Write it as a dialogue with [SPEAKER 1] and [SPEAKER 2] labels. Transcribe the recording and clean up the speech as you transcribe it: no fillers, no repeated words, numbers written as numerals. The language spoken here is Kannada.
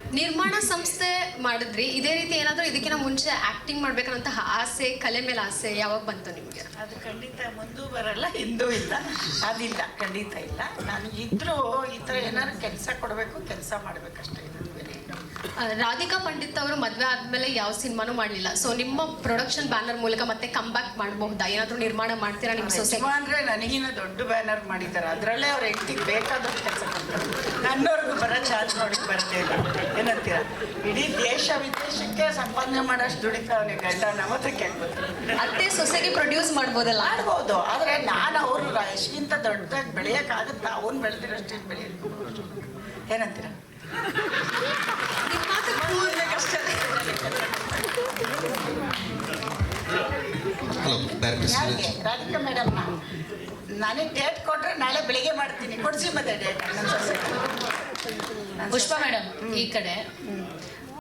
[SPEAKER 1] ನಿರ್ಮಾಣ ಸಂಸ್ಥೆ ಮಾಡಿದ್ರಿ, ಇದೇ ರೀತಿ ಏನಾದರೂ ಇದಕ್ಕಿಂತ ಮುಂಚೆ ಆಕ್ಟಿಂಗ್ ಮಾಡ್ಬೇಕನ್ನಂತಹ ಆಸೆ, ಕಲೆ ಮೇಲೆ ಆಸೆ ಯಾವಾಗ ಬಂತು ನಿಮಗೆ?
[SPEAKER 2] ಅದು ಖಂಡಿತ ಮುಂದೂ ಬರಲ್ಲ, ಹಿಂದೂ ಇಲ್ಲ, ಅದಿಲ್ಲ, ಖಂಡಿತ ಇಲ್ಲ. ನನಗಿದ್ರೂ ಈ ಥರ ಏನಾದ್ರು ಕೆಲಸ ಕೊಡಬೇಕು, ಕೆಲಸ ಮಾಡಬೇಕಷ್ಟೇ.
[SPEAKER 1] ರಾಧಿಕಾ ಪಂಡಿತ್ ಅವರು ಮದುವೆ ಆದ್ಮೇಲೆ ಯಾವ ಸಿನಿಮಾನೂ ಮಾಡಲಿಲ್ಲ. ಸೊ ನಿಮ್ಮ ಪ್ರೊಡಕ್ಷನ್ ಬ್ಯಾನರ್ ಮೂಲಕ ಮತ್ತೆ ಕಮ್ ಬ್ಯಾಕ್ ಮಾಡಬಹುದಾ? ಏನಾದರೂ ನಿರ್ಮಾಣ ಮಾಡ್ತೀರಾ ನಿಮ್ಮ ಸೊಸೆ?
[SPEAKER 2] ಅಂದರೆ ನನಗಿನ್ನ ದೊಡ್ಡ ಬ್ಯಾನರ್ ಮಾಡಿದ್ದಾರೆ, ಅದರಲ್ಲೇ ಅವ್ರ ಹೆಂಡತಿಗೆ ಬೇಕಾದಷ್ಟು ಕೆಲಸ ಕೊಡ್ತಾರೆ. ನನ್ನವ್ರಿಗೂ ಬರೋ ಚಾರ್ಜ್ ನೋಡಿ ಬರ್ತೇ ಇಲ್ಲ. ಏನಂತೀರ? ಇಡೀ ದೇಶ ವಿದೇಶಕ್ಕೆ ಸಂಪಾದನೆ ಮಾಡೋಷ್ಟು ದುಡಿತಾವನೆ ಗಂಡ. ನಮ್ಮತ್ರ ಕೇಳ್ಬೋದು,
[SPEAKER 1] ಅತ್ತೆ ಸೊಸೆಗೆ ಪ್ರೊಡ್ಯೂಸ್ ಮಾಡ್ಬೋದಲ್ಲ?
[SPEAKER 2] ಮಾಡ್ಬೋದು, ಆದರೆ ನಾನು ಅವರು ಎಷ್ಟಿಗಿಂತ ದೊಡ್ಡದಾಗಿ ಬೆಳೆಯೋಕ್ಕಾಗುತ್ತಾ? ಅವ್ನು ಬೆಳೆದಿರೋಷ್ಟು ಬೆಳೆಯಬೇಕು. ಏನಂತೀರ?
[SPEAKER 3] ಹಲೋ ಡೈರೆಕ್ಟರ್
[SPEAKER 2] ಯಾರಿಗೆ? ರಾಧಿಕಾ ಮೇಡಮ್, ನನಗೆ ಡೇಟ್ ಕೊಟ್ಟರೆ ನಾಳೆ ಬೆಳಿಗ್ಗೆ ಮಾಡ್ತೀನಿ. ಕೊಡಿಸಿ ಮತ್ತೆ ಡೇಟ್.
[SPEAKER 4] ಪುಷ್ಪ ಮೇಡಮ್ ಈ ಕಡೆ